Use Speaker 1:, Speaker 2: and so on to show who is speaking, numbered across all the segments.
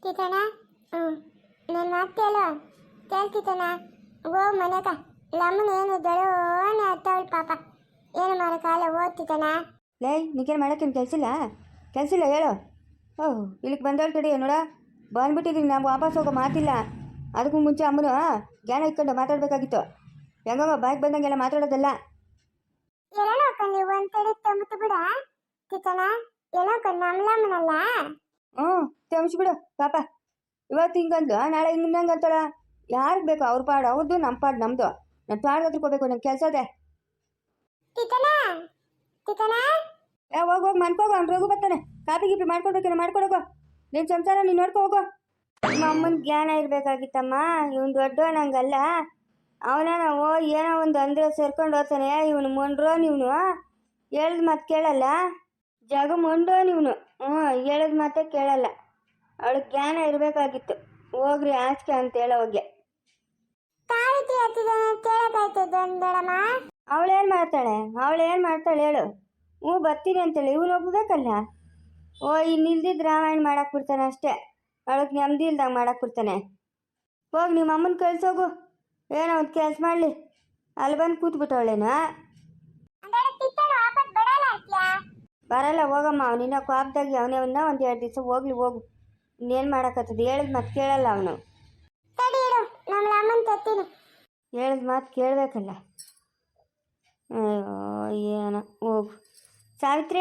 Speaker 1: ಕಿತಣ ಹ್ಞೂ ನನ್ನ ಮಾತು ಕೇಳ್ತಿತಣ ಓ ಮನೆಗ ಲಮ್ಮನ ಏನು ದಳೋನೆ ಅತ್ತವಳು ಪಾಪ ಏನು ಮಾಡೋಕ್ಕಾಲ ಓದ್ತಿತಣ.
Speaker 2: ಲೇ ನಿಗೇನು ಮಾಡೋಕ್ಕೇನು ಕೆಲಸಿಲ್ಲ ಹೇಳು. ಓಹ್ ಇಲ್ಲಿಗೆ ಬಂದವಳು ತಡಿ ನೋಡ ಬಂದ್ಬಿಟ್ಟಿದ್ದೀನಿ. ನಾವು ವಾಪಸ್ ಹೋಗೋ ಮಾತಿಲ್ಲ. ಅದಕ್ಕೂ ಮುಂಚೆ ಅಮ್ಮನು ಜ್ಞಾನ ಇಟ್ಕೊಂಡು ಮಾತಾಡಬೇಕಾಗಿತ್ತು. ಹೆಂಗೋ ಬಾಯಿಗೆ ಬಂದಂಗೆಲ್ಲ ಮಾತಾಡೋದಲ್ಲ.
Speaker 1: ಏನೋ ಕಣ್ಣಿ ಒಂದು ತಡಿ ತಂಬಿಟ್ಟು ಬಿಡ ಕಿತಣ. ಏನೋ ಕಣ್ಣು ನಮ್ಮಲಮ್ಮನಲ್ಲ.
Speaker 2: ತೆಮಿಸ್ಬಿಡು ಪಾಪ. ಇವತ್ತು ಹಿಂಗಂದು ನಾಳೆ ಹಿಂಗೆ ಅಂತಾಳ. ಯಾರಿಗೆ ಬೇಕು ಅವ್ರ ಪಾಡು ಅವ್ರದ್ದು, ನಮ್ಮ ಪಾಡು ನಮ್ಮದು. ನಾನು ಪಾಡ್ಗೆ ಹತ್ರಕೋಬೇಕು, ನನ್ನ ಕೆಲಸ ಅದೇ.
Speaker 1: ಕಿತಣ
Speaker 2: ಹೋಗಿ ಮನ್ಕೋಗೋ, ಅವ್ನು ರೋಗು ಬರ್ತಾನೆ. ಕಾಪಿ ಗೀಪಿ ಮಾಡ್ಕೊಡ್ಬೇಕೇನೋ ಮಾಡ್ಕೊಡೋಗೋ. ನಿನ್ನ ಸಂಸಾರ ನೀನು ನೋಡ್ಕೊ ಹೋಗೋ. ನಿಮ್ಮ ಅಮ್ಮನ ಜ್ಞಾನ ಇರಬೇಕಾಗಿತ್ತಮ್ಮ. ಇವನು ದೊಡ್ಡ ನಂಗಲ್ಲ. ಅವನ ನಾವು ಏನೋ ಒಂದು ಅಂದರೆ ಸೇರ್ಕೊಂಡು ಹೋಗ್ತಾನೆ. ಇವನು ಮೊಂಡ್ರೋನ್. ಇವನು ಹೇಳಿದ ಮಾತು ಕೇಳಲ್ಲ. ಜಗ ಮೊಂಡೋನ್ ಇವನು. ಹೇಳಿದ ಮಾತೇ ಕೇಳಲ್ಲ. ಅವಳಿಗೆ ಜ್ಞಾನ ಇರಬೇಕಾಗಿತ್ತು. ಹೋಗ್ರಿ ಆಚೆ ಅಂತ ಹೇಳೋ ಹೋಗಿ. ಅವಳೇನು ಮಾಡ್ತಾಳೆ ಹೇಳು. ಬರ್ತೀನಿ ಅಂತೇಳಿ ಇವನು ಒಪ್ಪಬೇಕಲ್ಲ. ಇನ್ನು ಇಲ್ದಿದ್ದು ರಾಮಾಯಣ ಮಾಡಕ್ಕೆ ಬಿಡ್ತಾನೆ ಅಷ್ಟೇ. ಅವಳಿಗೆ ನೆಮ್ಮದಿ ಇಲ್ದಂಗೆ ಮಾಡಕ್ಕೆ ಬಿಡ್ತಾನೆ. ಹೋಗಿ ನಿಮ್ಮ ಅಮ್ಮನ ಕಳ್ಸೋಗು. ಏನೋ ಒಂದು ಕೆಲಸ ಮಾಡಲಿ. ಅಲ್ಲಿ ಬಂದು ಕೂತ್ಬಿಟ್ಟವಳೇನು. ಬರಲ್ಲ ಹೋಗಮ್ಮ. ಅವನಿನ್ನ ಕೋಪದಾಗಿ ಅವನೇ ಒಂದು 2 ದಿವಸ ಹೋಗು. ಇನ್ನೇನು ಮಾಡೋಕ್ಕತ್ತದ. ಹೇಳಿದ ಮಾತು ಕೇಳಲ್ಲ ಅವನು. ಹೇಳಿದ ಮಾತು ಕೇಳಬೇಕಲ್ಲ. ಏನೋ ಹೋಗು. ಸಾವಿತ್ರಿ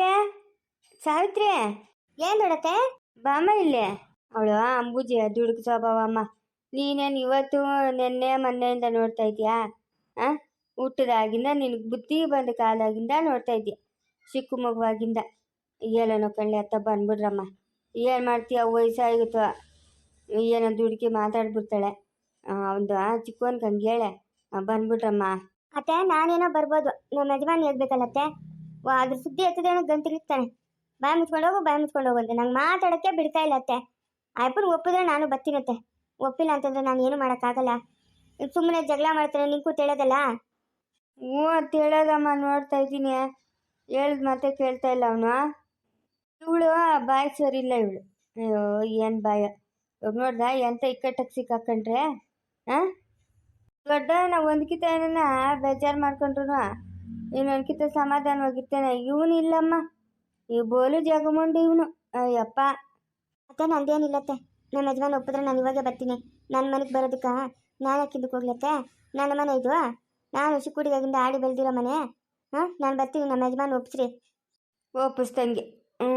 Speaker 2: ಏನು ನೋಡತ್ತೆ ಬಾಮ್ಮ ಇಲ್ಲೇ. ಅವಳು ಅಂಬೂಜಿ ದುಡುಕು ಸ್ವಭಾವ ಅಮ್ಮ. ನೀನೇನು ಇವತ್ತು ನೆನ್ನೆ ಮೊನ್ನೆಯಿಂದ ನೋಡ್ತಾ ಇದೀಯಾ? ಹುಟ್ಟಿದಾಗಿಂದ ನಿನಗೆ ಬುದ್ಧಿ ಬಂದ ಕಾಲದಾಗಿಂದ ನೋಡ್ತಾ ಇದ್ದೀಯ. ಚಿಕ್ಕ ಮಗುವಾಗಿಂದ ಏನೋ ಕಳ್ಳಿ ಅತ್ತ ಬಂದ್ಬಿಡ್ರಮ್ಮ. ಏನು ಮಾಡ್ತೀಯ? ವಯಸ್ಸಾಗಿತ್ತು. ಏನೋ ದುಡುಕಿ ಮಾತಾಡ್ಬಿಡ್ತಾಳೆ. ಒಂದು ಚಿಕ್ಕವನ್ಗೆ ಹಂಗೆ ಹೇಳೆ ಬಂದ್ಬಿಟ್ರಮ್ಮ.
Speaker 1: ಅತ್ತೆ ನಾನೇನೋ ಬರ್ಬೋದು. ನಮ್ಮ ಯಜಮಾನ್ ಹೇಳ್ಬೇಕಲ್ಲತ್ತೆ. ಅದ್ರ ಸುದ್ದಿ ಎತ್ತದೇನೋ ಗಂತಿರ್ತಾನೆ. ಬಾಯಿ ಮುಚ್ಕೊಂಡು ಹೋಗು ಅಂತ ನಂಗೆ ಮಾತಾಡೋಕ್ಕೆ ಬಿಡ್ತಾ ಇಲ್ಲ ಅತ್ತೆ. ಅಯ್ಯಪ್ಪನ ಒಪ್ಪಿದ್ರೆ ನಾನು ಬರ್ತೀನತ್ತೆ. ಒಪ್ಪಿಲ್ಲ ಅಂತಂದ್ರೆ ನಾನು ಏನು ಮಾಡೋಕ್ಕಾಗಲ್ಲ. ಸುಮ್ಮನೆ ಜಗಳ ಮಾಡ್ತಾನೆ. ನಿಂಗೂ ತಿಳೋದಲ್ಲ.
Speaker 2: ಹೇಳೋದಮ್ಮ. ನೋಡ್ತಾ ಇದ್ದೀನಿ. ಹೇಳಿದ ಮತ್ತೆ ಕೇಳ್ತಾ ಇಲ್ಲ ಅವನು. ಇವಳು ಬಾಯಿ ಸರಿ ಇಲ್ಲ ಇವಳು. ಅಯ್ಯೋ ಏನು ಬಾಯ. ಇವಾಗ ನೋಡ್ದ ಎಂತ ಇಕ್ಕಟ್ಟಕ್ಕೆ ಸಿಕ್ಕಾಕೊಂಡ್ರೆ. ದೊಡ್ಡ ನಾವು ಒಂದ್ಕಿತ ಏನನ್ನ ಬೇಜಾರು ಮಾಡ್ಕೊಂಡ್ರು ಇನ್ನೊಂದ್ಕಿತ ಸಮಾಧಾನವಾಗಿರ್ತೇನೆ. ಇವನು ಇಲ್ಲಮ್ಮ. ಈ ಬೋಲು ಜಗಮುಂಡು ಇವನು. ಅಯ್ಯಪ್ಪ
Speaker 1: ಅತ್ತೆ ನಂದೇನಿಲ್ಲತ್ತೆ. ನಮ್ಮ ಯಜಮಾನ್ ಒಪ್ಪಿದ್ರೆ ನಾನು ಇವಾಗೆ ಬರ್ತೀನಿ. ನನ್ನ ಮನೆಗೆ ಬರೋದಕ್ಕೆ ನಾನು ಯಾಕಿದ್ದಕ್ಕೆ ಹೋಗ್ಲತ್ತೆ. ನನ್ನ ಮನೆ ಇದು. ನಾನು ಚಿಕ್ಕುಡಿಗಾಗಿಂದ ಆಡಿ ಬೆಳೆದಿರೋ ಮನೆ. ನಾನು ಬರ್ತೀನಿ. ನಮ್ಮ ಯಜಮಾನ್ ಒಪ್ಪಿಸ್ರಿ.
Speaker 2: ಒಪ್ಪಿಸ್ದಂಗೆ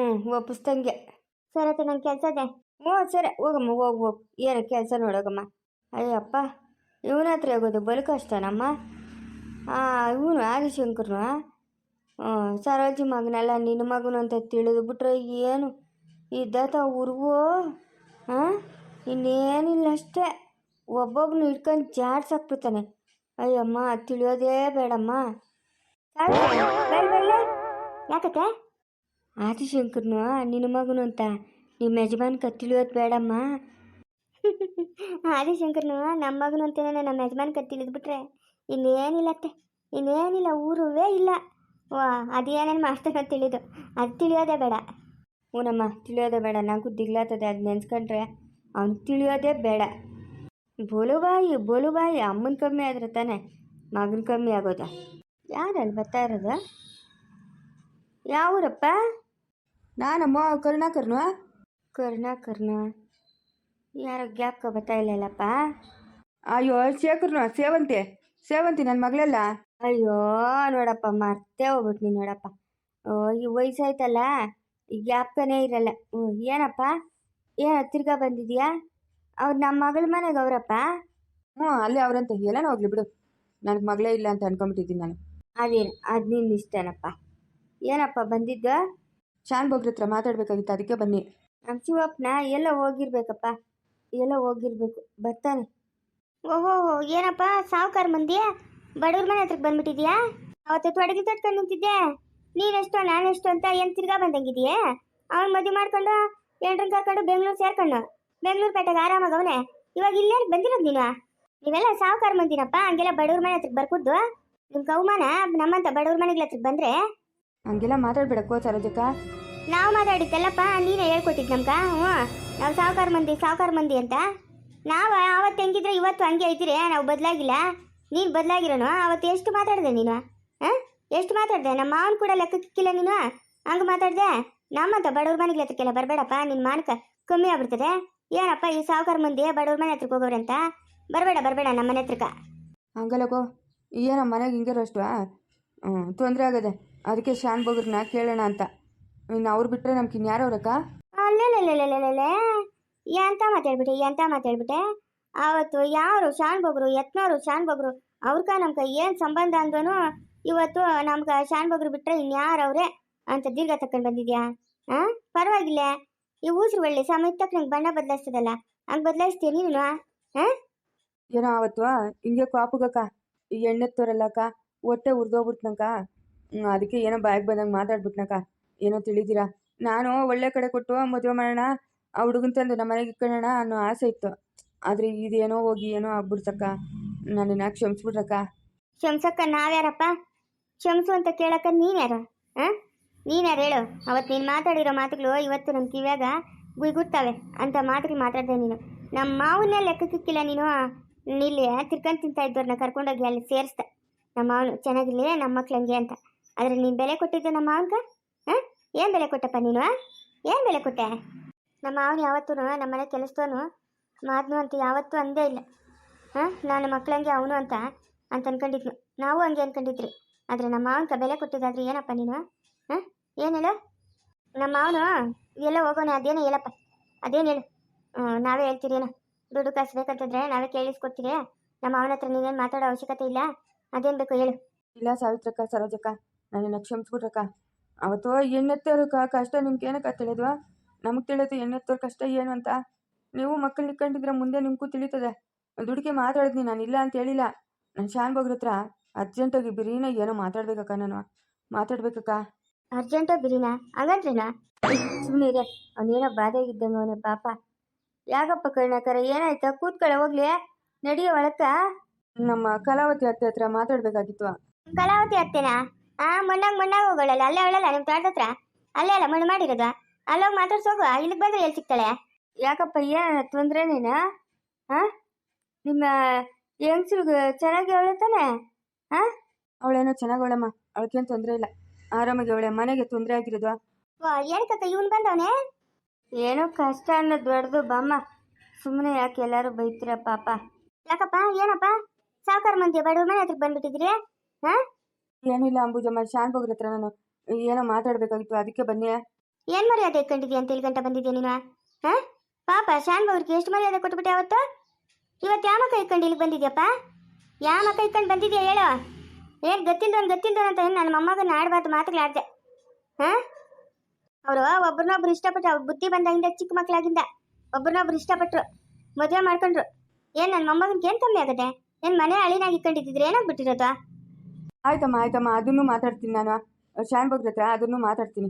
Speaker 1: ಸರಿ ಅತ್ತೆ ನನ್ನ ಕೆಲಸ ಇದೆ.
Speaker 2: ಸರಿ ಹೋಗಮ್ಮ. ಹೋಗು. ಏನು ಕೆಲಸ ನೋಡೋಗಮ್ಮ. ಅಯ್ಯಪ್ಪ ಇವನ ಹತ್ರ ಹೋಗೋದು ಬಲು ಕಷ್ಟನಮ್ಮ. ಇವನು ಆದಿಶಂಕರ್ನು ಸರೋಜಿ ಮಗನಲ್ಲ ನಿನ್ನ ಮಗನು ಅಂತ ತಿಳಿದು ಬಿಟ್ರೆ ಏನು ಇದ್ದಾತ ಉರ್ವೋ. ಇನ್ನೇನಿಲ್ಲ ಅಷ್ಟೇ. ಒಬ್ಬೊಬ್ಬನು ಇಟ್ಕೊಂಡು ಜಾಡ್ಸಾಕ್ಬಿಡ್ತಾನೆ. ಅಯ್ಯಮ್ಮ ತಿಳಿಯೋದೇ ಬೇಡಮ್ಮ.
Speaker 1: ಯಾಕತ್ತೆ?
Speaker 2: ಆದಿಶಂಕರ್ನು ನಿನ್ನ ಮಗನು ಅಂತ ನಿಮ್ಮ ಯಜಮಾನ್ಕ ತಿಳಿಯೋದು ಬೇಡಮ್ಮ.
Speaker 1: ಆದಿಶಂಕರ್ನು ನಮ್ಮ ಮಗನು ಅಂತೇನೆ ನಮ್ಮ ಯಜಮಾನ್ಕ ತಿಳಿದ್ಬಿಟ್ರೆ ಇನ್ನೇನಿಲ್ಲತ್ತೆ. ಇನ್ನೇನಿಲ್ಲ. ಊರುವೇ ಇಲ್ಲ. ಅದೇನೇನು ಮಾಡ್ತಾನೋ ತಿಳಿದು ಅದು ತಿಳಿಯೋದೇ ಬೇಡ.
Speaker 2: ಹೂನಮ್ಮ ತಿಳಿಯೋದೇ ಬೇಡ. ನನಗೂ ದಿಗ್ಲಾತದೆ ಅದು ನೆನ್ಸ್ಕೊಂಡ್ರೆ. ಅವ್ನು ತಿಳಿಯೋದೇ ಬೇಡ. ಬೋಲುಬಾಯಿ ಅಮ್ಮನ ಕಮ್ಮಿ ಆದ್ರೆ ತಾನೆ ಮಗನ ಕಮ್ಮಿ ಆಗೋದ. ಯಾರಲ್ಲಿ ಬರ್ತಾ ಇರೋದು? ಯಾವೂರಪ್ಪ?
Speaker 3: ನಾನಮ್ಮ
Speaker 2: ಕರುಣಾಕರ್ನ ಯಾರೋ ಗ್ಯಾಪ್ಕ ಬರ್ತಾ ಇಲ್ಲಲ್ಲಪ್ಪ.
Speaker 3: ಅಯ್ಯೋ ಸೇವಂತಿ ನನ್ನ ಮಗಳಲ್ಲ.
Speaker 2: ಅಯ್ಯೋ ನೋಡಪ್ಪ ಮರ್ತೇ ಹೋಗ್ಬಿಟ್ನಿ ನೋಡಪ್ಪ. ಈ ವಯಸ್ಸಾಯ್ತಲ್ಲ ಈ ಗ್ಯಾಪ್ಕನೇ ಇರಲ್ಲ. ಏನಪ್ಪ ತಿರ್ಗಾ ಬಂದಿದ್ಯಾ? ಅವ್ರು ನಮ್ಮ ಮಗಳ ಮನೆಗೆ ಅವರಪ್ಪ.
Speaker 3: ಅಲ್ಲೇ ಅವ್ರಂತ ಎಲ್ಲನೂ ಹೋಗ್ಲಿ ಬಿಡು. ನನಗೆ ಮಗಳೇ ಇಲ್ಲ ಅಂತ ಅನ್ಕೊಂಬಿಟ್ಟಿದ್ದೀನಿ ನಾನು.
Speaker 2: ಅದು ನಿನ್ನ ಇಷ್ಟನಪ್ಪ. ಏನಪ್ಪ ಬಂದಿದ್ದ?
Speaker 3: ಶಾನ್ ಬೊಗ್ರ ಹತ್ರ ಮಾತಾಡ್ಬೇಕಾಗಿತ್ತು, ಅದಕ್ಕೆ ಬನ್ನಿ.
Speaker 2: ನಮ್ಮ ಶಿವಪ್ಪನ ಎಲ್ಲ ಹೋಗಿರ್ಬೇಕು ಬರ್ತಾನೆ.
Speaker 1: ಓಹೋ ಏನಪ್ಪ ಸಾವುಕಾರ ಮಂದಿ ಬಡವ್ರ ಮನೆ ಹತ್ರಕ್ಕೆ ಬಂದ್ಬಿಟ್ಟಿದ್ಯಾ? ಅವತ್ತು ತೊಡಗಿ ತಟ್ಕೊಂಡು ನಿಂತಿದ್ದೆ. ನೀನೆಷ್ಟು ನಾನೆಷ್ಟು ಅಂತ ಏನು ತಿರ್ಗಾ ಬಂದಂಗಿದೆಯೇ? ಅವ್ನು ಮದುವೆ ಮಾಡ್ಕೊಂಡು ಎಂಟ್ರನ್ನ ಕರ್ಕೊಂಡು ಬೆಂಗಳೂರು ಸೇರ್ಕೊಂಡು ಬೆಂಗಳೂರು ಪೇಟೆಗೆ ಆರಾಮಾಗವನೆ. ಇವಾಗ ಇಲ್ಲೇ ಬಂದಿರೋದು ನೀವೆಲ್ಲ ಸಾವುಕಾರ ಮಂದಿನಪ್ಪ. ಹಂಗೆಲ್ಲ ಬಡವ್ರ ಮನೆ ಹತ್ರಕ್ಕೆ ಬರ್ಕುದ್ದು ನಿಮ್ಮ ಕೌಮಾನ ನಮ್ಮಂತ ಬಡವ್ರ ಮನೆಗಳ ಹತ್ರಕ್ಕೆ ಬಂದರೆ
Speaker 3: ಹಂಗೆಲ್ಲ ಮಾತಾಡ್ಬೇಡ ಸರೋಜಕ್ಕ.
Speaker 1: ನಾವು ಮಾತಾಡಿದ್ದಲ್ಲಪ್ಪ, ನೀನೇ ಹೇಳ್ಕೊಟ್ಟಿದ್ದು ನಮ್ಗೆ. ಹ್ಞೂ, ನಾವು ಸಾವುಕಾರ ಮಂದಿ ಅಂತ. ನಾವು ಆವತ್ತು ಹೆಂಗಿದ್ರೆ ಇವತ್ತು ಹಂಗೆ ಐತಿರಿ, ನಾವು ಬದಲಾಗಿಲ್ಲ. ನೀನು ಬದಲಾಗಿರೋನು. ಅವತ್ತು ಎಷ್ಟು ಮಾತಾಡಿದೆ ನೀನು? ಹಾಂ, ಎಷ್ಟು ಮಾತಾಡಿದೆ? ನಮ್ಮ ಮಾವನ ಕೂಡ ಲೆಕ್ಕಕ್ಕಿಲ್ಲ ನೀನು. ಹಂಗೆ ಮಾತಾಡಿದೆ. ನಮ್ಮಂತ ಬಡವ್ರ ಮನೆಗೆ ಹತ್ರಕ್ಕೆಲ್ಲ ಬರಬೇಡಪ್ಪ, ನಿನ್ನ ಮಾನಕ ಕಮ್ಮಿ ಆಗ್ಬಿಡ್ತದೆ. ಏನಪ್ಪ ಈ ಸಾವುಕಾರ ಮಂದಿ ಬಡವ್ರ ಮನೆ ಹತ್ರಕ್ಕೆ ಹೋಗೋರಂತ? ಬರಬೇಡ ನಮ್ಮ ಮನೆ ಹತ್ರಕ್ಕೆ.
Speaker 3: ಹಂಗಲ್ಲಕೋ, ಏನೋ ಮನೆಗೆ ಹಿಂಗಿರೋ ಅಷ್ಟು ತೊಂದರೆ ಆಗದೆ. ಅದಕ್ಕೆ ಶಾನ್ ಬಗ್ರನ್ನ ಕೇಳೋಣ ಅಂತ. ಇನ್ನು ಅವ್ರು ಬಿಟ್ಟರೆ ನಮ್ಗೆ ಇನ್ಯಾರು ಅವ್ರಕ್ಕ?
Speaker 1: ಅಲ್ಲೇ ಎಂತ ಮಾತಾಡ್ಬಿಟ್ಟೆ. ಅವತ್ತು ಯಾರು ಶಾನ್ ಬಗ್ರು, ಯತ್ನವರು ಶಾನ್ ಬಗ್ರು, ಅವ್ರಕ ನಮ್ಗೆ ಏನು ಸಂಬಂಧ ಅಂದನು. ಇವತ್ತು ನಮ್ಗೆ ಶಾನ್ ಬಗ್ರು ಬಿಟ್ಟರೆ ಇನ್ಯಾರವ್ರೆ ಅಂತ ದೀರ್ಘ ತಕೊಂಡು ಬಂದಿದ್ಯಾ? ಹಾಂ, ಪರವಾಗಿಲ್ಲ. ಈ ಊಸ್ರು ಒಳ್ಳೆ ಸಮಯ ತಕ್ಕ ನಂಗೆ ಬಣ್ಣ ಬದಲಾಯಿಸ್ತದಲ್ಲ, ಹಂಗೆ ಬದಲಾಯಿಸ್ತೀಯ ನೀನು? ಹಾಂ,
Speaker 3: ಏನೋ ಆವತ್ತು ಹಿಂಗೆ ಕಾಪುಗಕ್ಕ ಈ ಎಣ್ಣೆತ್ತೋರಲ್ಲಕ್ಕ ಹೊಟ್ಟೆ ಉರ್ದೋಗ್ಬಿಡ್ತನಕ್ಕ. ಅದಕ್ಕೆ ಏನೋ ಬಾಯಿಗೆ ಬಂದಂಗೆ ಮಾತಾಡ್ಬಿಟ್ನಕ್ಕ. ಏನೋ ತಿಳಿದಿರಾ, ನಾನು ಒಳ್ಳೆ ಕಡೆ ಕೊಟ್ಟು ಮದುವೆ ಮಾಡೋಣ, ಆ ಹುಡುಗನ ತಂದು ನಮ್ಮ ಮನೆಗೆ ಇಟ್ಕೊಳ್ಳೋಣ ಅನ್ನೋ ಆಸೆ ಇತ್ತು. ಆದರೆ ಇದೇನೋ ಹೋಗಿ ಏನೋ ಆಗ್ಬಿಡ್ತಕ್ಕ. ನನ್ನನ್ನು ಕ್ಷಮಿಸ್ಬಿಟ್ರಕ್ಕ.
Speaker 1: ಕ್ಷಮ್ಸಕ್ಕ ನಾವ್ಯಾರಪ್ಪ? ಕ್ಷಮಿಸು ಅಂತ ಕೇಳಕ್ಕ ನೀನ್ಯಾರು? ಹಾಂ, ನೀನ್ಯಾರು ಹೇಳು? ಅವತ್ತು ನೀನು ಮಾತಾಡಿರೋ ಮಾತುಗಳು ಇವತ್ತು ನಮ್ಮ ಕಿವ್ಯಾಗ ಗುಯ್ಗುಡ್ತಾವೆ ಅಂತ ಮಾತುಗಳು ಮಾತಾಡಿದೆ ನೀನು. ನಮ್ಮ ಮಾವನ್ನೇ ಲೆಕ್ಕಕ್ಕಿಲ್ಲ ನೀನು. ಇಲ್ಲಿ ತಿರ್ಕೊಂಡು ತಿಂತಾ ಇದ್ದವ್ರನ್ನ ಕರ್ಕೊಂಡೋಗಿ ಅಲ್ಲಿ ಸೇರಿಸ್ದೆ. ನಮ್ಮ ಮಾವನು ಚೆನ್ನಾಗಿರಲಿ ನಮ್ಮ ಮಕ್ಳು ಹಂಗೆ ಅಂತ. ಆದರೆ ನೀನು ಬೆಲೆ ಕೊಟ್ಟಿದ್ದೆ ನಮ್ಮ ಮಾವನ್ಗ? ಹಾಂ, ಏನು ಬೆಲೆ ಕೊಟ್ಟಪ್ಪ ನೀನು? ಏನು ಬೆಲೆ ಕೊಟ್ಟೆ? ನಮ್ಮ ಮಾವನು ಯಾವತ್ತೂ ನಮ್ಮ ಮನೆ ಕೆಲಸದವನು ಮಾದನು ಅಂತ ಯಾವತ್ತೂ ಅಂದೇ ಇಲ್ಲ. ಹಾಂ, ನಾನು ಮಕ್ಳಂಗೆ ಅವನು ಅಂತ ಅನ್ಕೊಂಡಿದ್ನು. ನಾವು ಹಂಗೆ ಅನ್ಕೊಂಡಿದ್ರಿ. ಆದರೆ ನಮ್ಮ ಮಾವನ್ಕ ಬೆಲೆ ಕೊಟ್ಟಿದ್ದಾದ್ರೆ ಏನಪ್ಪ ನೀನು? ಹಾಂ, ಏನು ಹೇಳು? ನಮ್ಮ ಮಾವನು ಎಲ್ಲ ಹೋಗೋಣ, ಅದೇನೋ ಹೇಳಪ್ಪ, ಅದೇನು ಹೇಳು? ನಾವೇ ಹೇಳ್ತೀರೇನೋ. ದುಡ್ಡು ಕಾಸು ಬೇಕಂತಂದ್ರೆ ನಾವೇ ಕೇಳಿಸ್ಕೊಡ್ತೀರಿ. ನಮ್ಮ ಮಾವನ ಹತ್ರ ನೀನೇನು ಮಾತಾಡೋ ಅವಶ್ಯಕತೆ ಇಲ್ಲ. ಅದೇನು ಬೇಕು ಹೇಳು?
Speaker 3: ಇಲ್ಲ ಸಾವಿತ್ರಕ್ಕ, ಸರೋಜಕ್ಕ, ನನ್ನನ್ನು ಕ್ಷಮಿಸ್ಬಿಟ್ರಕ್ಕ. ಅವತ್ತು ಎಣ್ಣೆತ್ತೋರು ಕಷ್ಟ ನಿಮ್ಗೆ ಏನಕ್ಕ ತಿಳಿದ್ವಾ? ನಮಗೆ ತಿಳಿಯೋದು ಎಣ್ಣೆತ್ತೋರು ಕಷ್ಟ ಏನು ಅಂತ. ನೀವು ಮಕ್ಕಳು ಇಟ್ಕೊಂಡಿದ್ರೆ ಮುಂದೆ ನಿಮಗೂ ತಿಳಿತದೆ. ದುಡ್ಡಿಗೆ ಮಾತಾಡಿದ್ನಿ, ನಾನು ಇಲ್ಲ ಅಂತ ಹೇಳಿಲ್ಲ. ನಾನು ಶಾನ್ ಬಗ್ರ ಹತ್ರ ಅರ್ಜೆಂಟಾಗಿ ಬಿರಿನ ಏನೋ ಮಾತಾಡ್ಬೇಕಕ್ಕ. ನಾನು ಮಾತಾಡ್ಬೇಕಕ್ಕ.
Speaker 1: ಅರ್ಜೆಂಟೋ ಬಿರಿನಾ? ಹಂಗಂದ್ರೇನಾ?
Speaker 2: ಸುಮ್ಮನೆ ಇದೆ, ಅವನೇನೋ ಬಾಧೆಗಿದ್ದಂಗೆ ಅವನೇ ಪಾಪ. ಯಾಕಪ್ಪ ಕರ್ಣಕರ, ಏನಾಯ್ತಾ? ಕೂತ್ಕೊಳ್ಳೆ, ಹೋಗ್ಲಿ, ನಡಿಯೋ ಒಳಕ್ಕ.
Speaker 3: ನಮ್ಮ ಕಲಾವತಿ ಅತ್ತೆ ಹತ್ರ ಮಾತಾಡ್ಬೇಕಾಗಿತ್ತು.
Speaker 1: ಕಲಾವತಿ ಅತ್ತೇನಾ? ಮಣ್ಣಾಗ ಹೋಗೋಳಲ್ಲ, ಅಲ್ಲೇ ಅವಳಲ್ಲ ನಿಮ್ಮ ತೋಟದ ಹತ್ರ. ಅಲ್ಲೇ ಅಲ್ಲ ಮಣ್ಣು ಮಾಡಿರೋದು. ಅಲ್ಲೋಗಿ ಮಾತಾಡ್ಸೋಗು. ಇಲ್ಲಿಗೆ ಬಂದ್ರೆ ಎಲ್ಲಿ ಸಿಗ್ತಾಳೆ?
Speaker 2: ಯಾಕಪ್ಪ, ಏನ ತೊಂದರೆ ನೀನು? ಹಾಂ, ನಿಮ್ಮ ಹೆಂಗ್ಸ್ರಿಗೆ ಚೆನ್ನಾಗಿ ಅವಳೆ ತಾನೆ? ಹಾಂ,
Speaker 3: ಅವಳೇನೋ ಚೆನ್ನಾಗವಳಮ್ಮ, ಅವಳಿಗೇನು ತೊಂದರೆ ಇಲ್ಲ, ಆರಾಮಾಗಿ ಅವಳೆ. ಮನೆಗೆ ತೊಂದರೆ ಆಗಿರೋದು.
Speaker 1: ಏನಕ್ಕ ಇವನು ಬಂದವನೇ?
Speaker 2: ಏನೋ ಕಷ್ಟ ಅನ್ನೋದು ದೊಡ್ಡದು ಬಾಮ್ಮ. ಸುಮ್ಮನೆ ಯಾಕೆ ಎಲ್ಲರೂ ಬೈತೀರ ಪಾಪ?
Speaker 1: ಯಾಕಪ್ಪ, ಏನಪ್ಪ? ಸಾವುಕಾರ ಮಂದಿ ಬಡವ್ರ ಮನೆ ಹತ್ರಕ್ಕೆ ಬಂದ್ಬಿಟ್ಟಿದ್ರಿ? ಹಾಂ,
Speaker 3: ಏನಿಲ್ಲ ಅಂಬುಜಮ್ಮ, ಶಾನ್ ಬಗ್ರ ಹತ್ರ ನಾನು ಏನೋ ಮಾತಾಡಬೇಕಾಗಿತ್ತು, ಅದಕ್ಕೆ ಬನ್ನಿ.
Speaker 1: ಏನು ಮರ್ಯಾದೆ ಇಟ್ಕೊಂಡಿದ್ಯಾ ಅಂತ ಗಂಟೆ ಬಂದಿದ್ಯಾ ನೀನು? ಹಾಂ, ಪಾಪ ಶಾನ್ ಬಗ್ರಿಗೆ ಎಷ್ಟು ಮರ್ಯಾದೆ ಕೊಟ್ಬಿಟ್ಟೆ ಅವತ್ತು. ಇವತ್ತು ಯಾವ ಮಕ್ಕ ಇಟ್ಕೊಂಡು ಇಲ್ಲಿಗೆ ಬಂದಿದ್ಯಪ್ಪ? ಯಾವ ಮಕ್ಕ ಇಟ್ಕೊಂಡು ಬಂದಿದ್ಯಾ ಹೇಳು? ಏನು ಗೊತ್ತಿಲ್ದವನು ಅಂತ ಏನು ನನ್ನ ಮೊಮ್ಮಗನ ಆಡಬಾರ್ದು ಮಾತುಗಳು ಆಡಿದೆ? ಹಾಂ, ಅವರು ಒಬ್ರನ್ನೊಬ್ರು ಇಷ್ಟಪಟ್ಟರು. ಅವ್ರ ಬುದ್ಧಿ ಬಂದಾಗಿಂದ ಚಿಕ್ಕ ಮಕ್ಕಳಾಗಿಂದ ಒಬ್ರನ್ನೊಬ್ರು ಇಷ್ಟಪಟ್ಟರು, ಮದುವೆ ಮಾಡ್ಕೊಂಡ್ರು. ಏನು ನನ್ನ ಮೊಮ್ಮಗನಿಗೆ ಏನು ಕಮ್ಮಿ ಆಗುತ್ತೆ? ಏನು ಮನೆ ಹಳಿನಾಗಿ ಇಟ್ಕೊಂಡಿದ್ದಿದ್ರೆ ಏನಾಗ್ಬಿಟ್ಟಿರೋದು?
Speaker 3: ಆಯ್ತಮ್ಮ, ಅದನ್ನು ಮಾತಾಡ್ತೀನಿ ನಾನು. ಶಾನ್ ಬಗ್ರ ಹತ್ರ ಅದನ್ನು ಮಾತಾಡ್ತೀನಿ.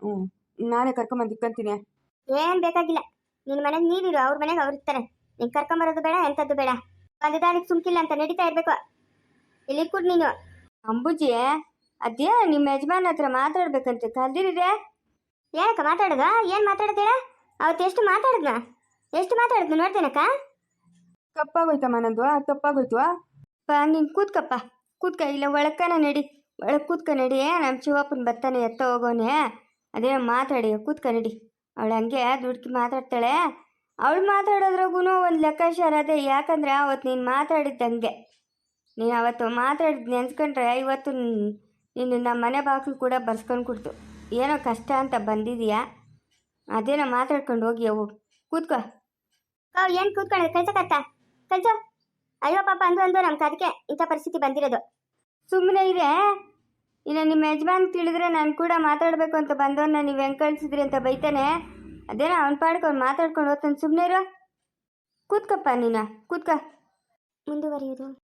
Speaker 3: ನಾನೇ ಕರ್ಕೊಂಬಂದು ಇಕ್ಕಂತೀನಿ.
Speaker 1: ಏನು ಬೇಕಾಗಿಲ್ಲ. ನಿನ್ನ ಮನೆಗೆ ನೀರಿರು, ಅವ್ರ ಮನೆಗೆ ಅವ್ರು ಇರ್ತಾರೆ. ನೀನು ಕರ್ಕೊಂಬರೋದು ಬೇಡ, ಎಂಥದ್ದು ಬೇಡ. ಒಂದು ದಾರಿಗೆ ಸುಮ್ಕಿಲ್ಲ ಅಂತ ನಡೀತಾ ಇರಬೇಕು. ಇಲ್ಲಿ ಕೊಡು ನೀನು.
Speaker 2: ಅಂಬುಜಿ, ಅದೇ ನಿಮ್ಮ ಯಜಮಾನ ಹತ್ರ ಮಾತಾಡ್ಬೇಕಂತ ಕಲ್ದಿರಿದೆ.
Speaker 1: ಏನಕ್ಕ ಮಾತಾಡೋದು? ಏನು ಮಾತಾಡೋದೇಳ? ಅವತ್ತು ಎಷ್ಟು ಮಾತಾಡಿದ್ನು ನೋಡ್ತೇನಕ್ಕ?
Speaker 3: ತಪ್ಪಾಗೋಯ್ತಮ್ಮ, ನಂದು ತಪ್ಪಾಗೋಯ್ತು.
Speaker 2: ನೀನು ಕೂತ್ಕ, ಇಲ್ಲ ಒಳಕ್ಕನ ನಡಿ, ಒಳಗೆ ಕೂತ್ಕ ನಡಿ. ನಮ್ಮ ಶಿವಪ್ಪನ ಬರ್ತಾನೆ, ಎತ್ತ ಹೋಗೋನೆ. ಅದೇ ಮಾತಾಡಿ, ಕೂತ್ಕ ನಡಿ. ಅವಳು ಹಂಗೆ ದುಡ್ಕಿ ಮಾತಾಡ್ತಾಳೆ. ಅವಳು ಮಾತಾಡೋದ್ರಾಗೂ ಒಂದು ಲೆಕ್ಕಾಚಾರ ಅದೇ. ಯಾಕಂದರೆ ಅವತ್ತು ನೀನು ಮಾತಾಡಿದ್ದಂಗೆ, ನೀನು ಅವತ್ತು ಮಾತಾಡಿದ್ದು ನೆನ್ಸ್ಕೊಂಡ್ರೆ ಇವತ್ತು ನೀನು ನಮ್ಮ ಮನೆ ಬಾಗಿಲು ಕೂಡ ಬರ್ಸ್ಕೊಂಡು ಕೊಡ್ತು. ಏನೋ ಕಷ್ಟ ಅಂತ ಬಂದಿದೀಯಾ, ಅದೇನೋ ಮಾತಾಡ್ಕೊಂಡು ಹೋಗಿ ಅವು. ಕೂತ್ಕೋ.
Speaker 1: ಏನು ಕೂತ್ಕೊಳ್ಳೋದು? ಕಳ್ಸೋ. ಅಯ್ಯೋ ಪಾಪ ಅಂದು ನಮ್ಗೆ ಅದಕ್ಕೆ ಇಂಥ ಪರಿಸ್ಥಿತಿ ಬಂದಿರೋದು.
Speaker 2: ಸುಮ್ಮನೆ ಇರೇ. ಇನ್ನು ನಿಮ್ಮ ಯಜಮಾನ್ ತಿಳಿದ್ರೆ ನಾನು ಕೂಡ ಮಾತಾಡಬೇಕು ಅಂತ ಬಂದವನ್ನ ನೀವು ಹೆಂಗೆ ಕಳಿಸಿದ್ರಿ ಅಂತ ಬೈತಾನೆ. ಅದೇನೋ ಅವ್ನ ಪಾಡ್ಗೆ ಅವ್ನು ಮಾತಾಡ್ಕೊಂಡು ಹೋಗ್ತಾನೆ. ಸುಮ್ಮನೆ ಇರೋ, ಕೂತ್ಕಪ್ಪ ನೀನು, ಕೂತ್ಕ.
Speaker 1: ಮುಂದುವರಿಯುವುದು.